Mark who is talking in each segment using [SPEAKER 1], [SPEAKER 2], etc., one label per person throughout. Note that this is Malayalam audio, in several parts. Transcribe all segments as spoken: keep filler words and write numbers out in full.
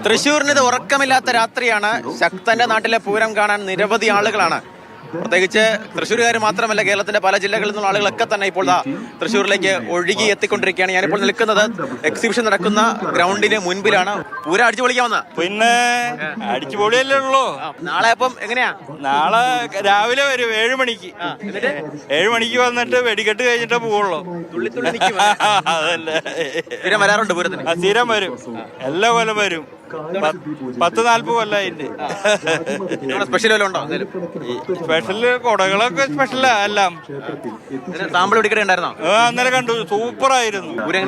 [SPEAKER 1] തൃശ്ശൂരിന് ഇത് ഉറക്കമില്ലാത്ത രാത്രിയാണ്. ശക്തന്റെ നാട്ടിലെ പൂരം കാണാൻ നിരവധി ആളുകളാണ്. പ്രത്യേകിച്ച് തൃശ്ശൂരുകാർ മാത്രമല്ല, കേരളത്തിന്റെ പല ജില്ലകളിൽ നിന്നുള്ള ആളുകളൊക്കെ തന്നെ ഇപ്പോൾ തൃശ്ശൂരിലേക്ക് ഒഴുകി എത്തിക്കൊണ്ടിരിക്കുകയാണ്. ഞാനിപ്പോൾ നിൽക്കുന്നത് എക്സിബിഷൻ നടക്കുന്ന ഗ്രൗണ്ടിന് മുൻപിലാണ്. പൂരം അടിച്ചു പൊളിക്കാവുന്ന
[SPEAKER 2] പിന്നെ അടിച്ചു പൊളിയല്ലേ ഉള്ളൂ.
[SPEAKER 1] നാളെ അപ്പം എങ്ങനെയാ?
[SPEAKER 2] നാളെ രാവിലെ വരും ഏഴു മണിക്ക്. ഏഴു മണിക്ക് വന്നിട്ട് വെടിക്കെട്ട് കഴിഞ്ഞിട്ടേ പോവുള്ളൂ. അതല്ലേ
[SPEAKER 1] സ്ഥിരം വരാറുണ്ട് പൂരത്തിന്?
[SPEAKER 2] സ്ഥിരം വരും, എല്ലാ കൊല്ലം വരും. പത്ത് നാല്പത് കൊല്ലായിട്ട്.
[SPEAKER 1] സ്പെഷ്യൽ വല്ലതും ഉണ്ടോ?
[SPEAKER 2] സ്പെഷ്യല് കൊടകളൊക്കെ സ്പെഷ്യലാ എല്ലാം.
[SPEAKER 1] സാമ്പിൾ വെടിക്കട ഉണ്ടായിരുന്നോ?
[SPEAKER 2] അന്നേരം കണ്ടു, സൂപ്പറായിരുന്നു.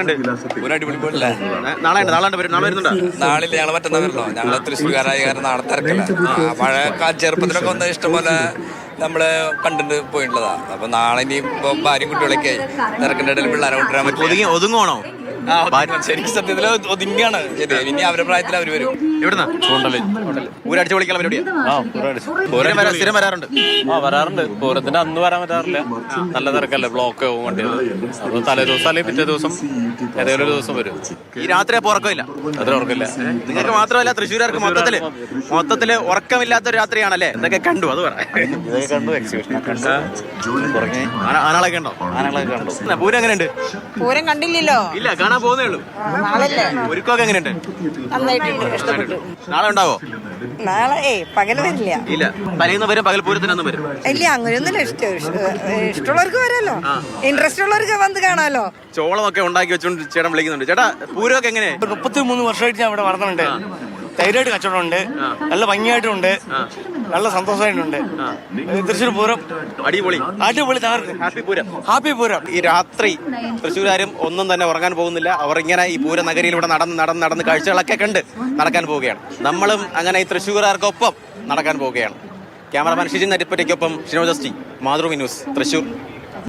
[SPEAKER 1] നാളെ നാളെ വരുന്നുണ്ടോ?
[SPEAKER 3] നാളിൽ ഞങ്ങൾ മറ്റന്നാ വരണോ? ഞങ്ങള് തൃശ്ശൂർക്കാരായ കാരണം നാളെ തിരക്കില്ല. പഴയ ചെറുപ്പത്തിലൊക്കെ വന്ന ഇഷ്ടംപോലെ നമ്മള് കണ്ടിട്ട് പോയിട്ടുള്ളതാ. അപ്പൊ നാളെ ഇനി ഇപ്പൊ ഭാര്യയും കുട്ടികളൊക്കെ ആയി തിരക്കിന്റെ ഇടയിൽ പിള്ളേരെ കൊണ്ടുവരാൻ പറ്റും.
[SPEAKER 1] ഒതുങ്ങുവാണോ?
[SPEAKER 3] ശരിക്കും സത്യത്തില് ഒതുങ്ങിയാണ്. ശരി, ഇനി അവരുടെ പ്രായത്തിൽ അവര് വരും.
[SPEAKER 1] എവിടുന്നാ? പൂരടിച്ചു പൊളിക്കാൻ പരിപാടിയാ? സ്ഥിരം വരാറുണ്ട്?
[SPEAKER 4] ആ വരാറുണ്ട്. പൂരത്തിന്റെ അന്ന് വരാൻ പറ്റാറില്ല, നല്ല തിരക്കല്ലേ, ബ്ലോക്ക് ആവും വണ്ടികൾ. അപ്പൊ തലേ ദിവസം അല്ലെങ്കിൽ പിറ്റേ ദിവസം ഏതെങ്കിലും ഒരു ദിവസം വരും.
[SPEAKER 1] ഈ രാത്രി അപ്പൊ ഉറക്കമില്ല?
[SPEAKER 4] അത്ര ഉറക്കില്ല.
[SPEAKER 1] നിങ്ങൾക്ക് മാത്രമല്ല, തൃശ്ശൂർക്കാർക്ക് മൊത്തത്തില് മൊത്തത്തില് ഉറക്കമില്ലാത്തൊരു രാത്രിയാണല്ലേ? എന്തൊക്കെ കണ്ടു അത് പറയാം.
[SPEAKER 4] ഇതൊക്കെ കണ്ടു, എക്സിബിഷൻ കണ്ടു.
[SPEAKER 1] ആനകളൊക്കെ ഉണ്ടോ?
[SPEAKER 4] ആനകളൊക്കെ കണ്ടു.
[SPEAKER 1] പൂരം എങ്ങനെയുണ്ട്?
[SPEAKER 5] പൂരം കണ്ടില്ലല്ലോ.
[SPEAKER 1] ഇല്ല, കാണാൻ പോകുന്നേ ഉള്ളൂ. ഒരുക്കമൊക്കെ എങ്ങനെയുണ്ട്?
[SPEAKER 5] നന്നായിട്ടുണ്ട്, ഇഷ്ടപ്പെട്ടു.
[SPEAKER 1] നാളെ ഉണ്ടാവോ?
[SPEAKER 5] നാളെ ഏ പകല് വരില്ല.
[SPEAKER 1] ഇല്ല, തലേന്ന് വരും, പകൽ പൂരത്തിനൊന്നും വരും.
[SPEAKER 5] ഇല്ല, അങ്ങനെയൊന്നുമില്ല. ഇഷ്ടം ഇഷ്ടമുള്ളവർക്ക് വരാമല്ലോ, ഇൻട്രസ്റ്റ് ഉള്ളവർക്ക് വന്ന് കാണാമല്ലോ.
[SPEAKER 1] ചോളമൊക്കെ ഉണ്ടാക്കി വെച്ചോണ്ട് ചേട്ടൻ വിളിക്കുന്നുണ്ട്. ചേട്ടാ, പൂരമൊക്കെ എങ്ങനെ?
[SPEAKER 6] മുപ്പത്തി മൂന്ന് വർഷമായിട്ട് ഞാൻ ഇവിടെ വളർന്നുണ്ട്. ധൈര്യമായിട്ട് കച്ചവടമുണ്ട്, നല്ല ഭംഗിയായിട്ടുണ്ട്, നല്ല സന്തോഷമായിട്ടുണ്ട്. തൃശ്ശൂർ പൂരം
[SPEAKER 1] അടിപൊളി,
[SPEAKER 6] അടിപൊളി, തകർക്കും.
[SPEAKER 1] Happy Pooram,
[SPEAKER 6] happy Pooram.
[SPEAKER 1] ഈ രാത്രി തൃശ്ശൂരാരും ഒന്നും തന്നെ ഉറങ്ങാൻ പോകുന്നില്ല. അവർ ഇങ്ങനെ ഈ പൂര നഗരിയിലൂടെ നടന്ന് നടന്ന് നടന്ന് കാഴ്ചകളൊക്കെ കണ്ട് നടക്കാൻ പോവുകയാണ്. നമ്മളും അങ്ങനെ ഈ തൃശ്ശൂർകാർക്കൊപ്പം നടക്കാൻ പോവുകയാണ്. ക്യാമറമാൻ ഷിജിൻ നരിപ്പറ്റയ്ക്കൊപ്പം ഷിനോജസ്റ്റി, മാതൃഭൂമി ന്യൂസ്, തൃശ്ശൂർ.